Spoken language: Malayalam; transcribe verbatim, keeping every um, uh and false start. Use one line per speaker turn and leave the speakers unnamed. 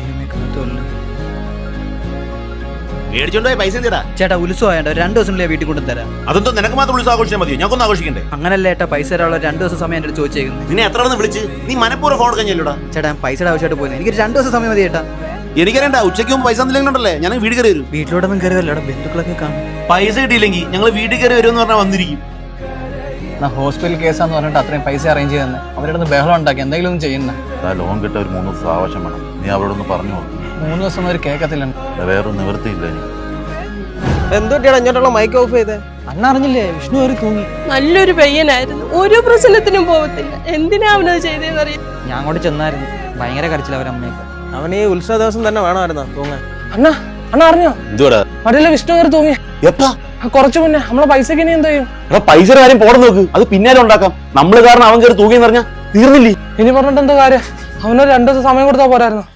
മേടിച്ചോണ്ടായി പൈസ എന്തിടാ
ചേട്ടാ ഉത്സവമായോണ്ട് രണ്ടു ദിവസത്തിനുള്ളിൽ വീട്ടിൽ കൊണ്ടുതരാം.
അതെന്തോ നിനക്ക് മാത്രം ഉത്സവം ആഘോഷിച്ചാൽ മതി, ഞങ്ങൾക്കൊന്നും ആഘോഷിക്കണ്ടേ?
അങ്ങനല്ലേ ഏട്ടാ, പൈസ തരാനുള്ള രണ്ടു ദിവസം സമയം എൻ്റെ ചോദിച്ചേക്കുന്നത്.
നിന്നെ എത്ര ഒന്ന് വിളിച്ച് നീ മനപ്പൂർവ്വം ഫോൺ കഴിഞ്ഞല്ലോടാ.
ചേട്ടാ പൈസയുടെ ആവശ്യമായിട്ട് പോയി, എനിക്ക് രണ്ടു ദിവസം സമയം മതി ചേട്ടാ.
എനിക്കറിയണ്ട, ഉച്ചയ്ക്ക് മുമ്പ് പൈസ എന്തെങ്കിലുണ്ടല്ലേ ഞാൻ വീട്ടിൽ കയറി വരും.
വീട്ടിലോട്ടൊന്നും കയറി വരില്ല, ബന്ധുക്കളൊക്കെ കാണും.
പൈസ കിട്ടിയില്ലെങ്കിൽ ഞങ്ങൾ വീട്ടിൽ കയറി വരും എന്ന് പറഞ്ഞാൽ വന്നിരിക്കും.
ഹോസ്പിറ്റൽ കേസാന്ന് പറഞ്ഞിട്ട് അത്രയും പൈസ അറേഞ്ച് ചെയ്തെന്ന് അവരുടെ ബഹളം ഉണ്ടാക്കി എന്തെങ്കിലും ഒന്നും ചെയ്യുന്ന
ലോൺ കിട്ടാൻ ഒരു മൂന്ന് ദിവസം ആവശ്യം വേണം. നീ അവരോടൊന്ന് പറഞ്ഞു നോക്കും.
മൂന്ന് ദിവസം ഒരു കേൾക്കത്തില്ല.
വേറെ നിവൃത്തിയില്ല.
എന്തുകൊണ്ടാണ് ഇങ്ങോട്ടുള്ള മൈക്ക് ഓഫ് ചെയ്തേ?
അണ്ണ അറിഞ്ഞില്ലേ, വിഷ്ണു ഒരു തൂങ്ങി.
നല്ലൊരു പയ്യനായിരുന്നു, ഒരു പ്രശ്നത്തിനും പോകത്തില്ല. എന്തിനാ അവനത് ചെയ്തേന്നറിയാം.
ഞാൻ അങ്ങോട്ട് ചെന്നായിരുന്നു, ഭയങ്കര കരച്ചില്ല അവരമ്മയൊക്കെ.
അവൻ ഈ ഉത്സവ ദിവസം തന്നെ വേണമായിരുന്നോ തൂങ്ങാൻ?
അണ്ണ അണ്ണ അറിഞ്ഞോ
എന്തുവാടാ
മറ്റേ വിഷ്ണു കയറി തൂങ്ങി
എപ്പാ?
കുറച്ചു മുന്നേ. നമ്മളെ പൈസക്ക് ഇനി എന്ത് ചെയ്യും?
പൈസ കാര്യം പോടെ നോക്ക്, അത് പിന്നാലെ ഉണ്ടാക്കാം. നമ്മള് കാരണം അവൻ കയറി തൂങ്ങിയെന്ന് പറഞ്ഞാൽ തീർന്നില്ലേ?
ഇനി പറഞ്ഞിട്ട് എന്താ കാര്യം? അവനൊരു രണ്ടു ദിവസം സമയം കൊടുത്താൽ പോരായിരുന്നു.